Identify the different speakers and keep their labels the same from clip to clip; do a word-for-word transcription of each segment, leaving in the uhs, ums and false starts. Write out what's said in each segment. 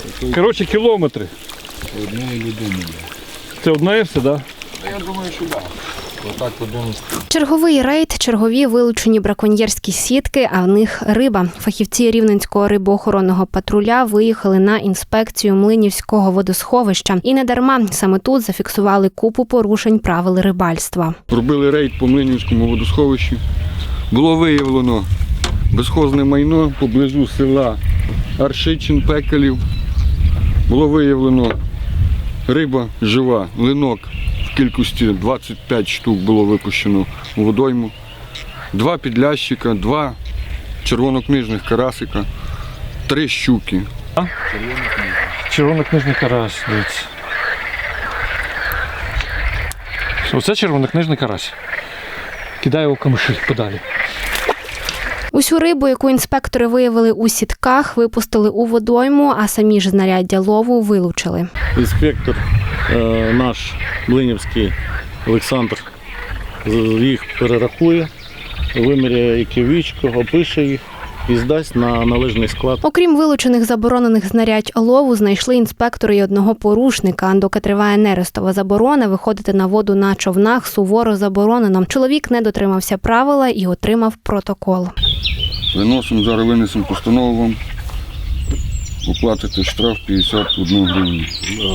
Speaker 1: Коротше, кілометри.
Speaker 2: Одної людини.
Speaker 1: Це одна і все, так?
Speaker 2: Да? Я думаю, що так. Отак один.
Speaker 3: Черговий рейд, чергові вилучені браконьєрські сітки, а в них риба. Фахівці Рівненського рибоохоронного патруля виїхали на інспекцію Млинівського водосховища. І не дарма, саме тут зафіксували купу порушень правил рибальства.
Speaker 4: Робили рейд по Млинівському водосховищі. Було виявлено безхозне майно поблизу села Аршичин-Пекалів. Було виявлено риба жива, линок. В кількості двадцять п'ять штук було випущено у водойму. Два підлящика, два червонокнижних карасика, три щуки.
Speaker 1: Червонокнижний карась, дивіться. Оце червонокнижний карась. Кидає його в камиші подалі.
Speaker 3: Усю рибу, яку інспектори виявили у сітках, випустили у водойму, а самі ж знаряддя лову вилучили.
Speaker 5: Інспектор е, наш Млинівський Олександр їх перерахує, виміряє які вічко, опише їх і здасть на належний склад.
Speaker 3: Окрім вилучених заборонених знарядь лову, знайшли інспектори й одного порушника. Доки триває нерестова заборона, виходити на воду на човнах суворо заборонено. Чоловік не дотримався правила і отримав протокол.
Speaker 4: Виносимо, зараз винесемо постанову вам. Оплатите штраф п'ятдесят одну гривню.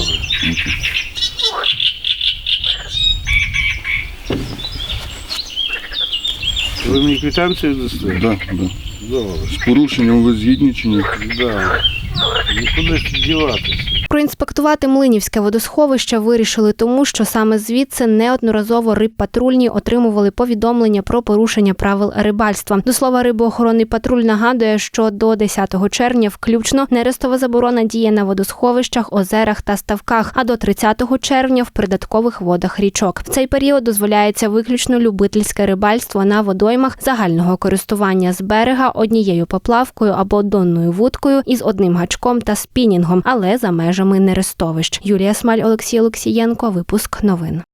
Speaker 2: Ви мені квитанцію дасте?
Speaker 4: Так, да, да.
Speaker 2: Добре.
Speaker 4: З порушенням ви згідні чи ні?
Speaker 2: Так. Нікуди ж діватися.
Speaker 3: Проінспектувати Млинівське водосховище вирішили тому, що саме звідси неодноразово рибпатрульні отримували повідомлення про порушення правил рибальства. До слова, рибоохоронний патруль нагадує, що до десятого червня включно нерестова заборона діє на водосховищах, озерах та ставках, а до тридцятого червня в придаткових водах річок. В цей період дозволяється виключно любительське рибальство на водоймах загального користування з берега однією поплавкою або донною вудкою із одним гачком та спінінгом, але за межами нерестовищ. Юлія Смаль, Олексій Олексієнко, випуск новин.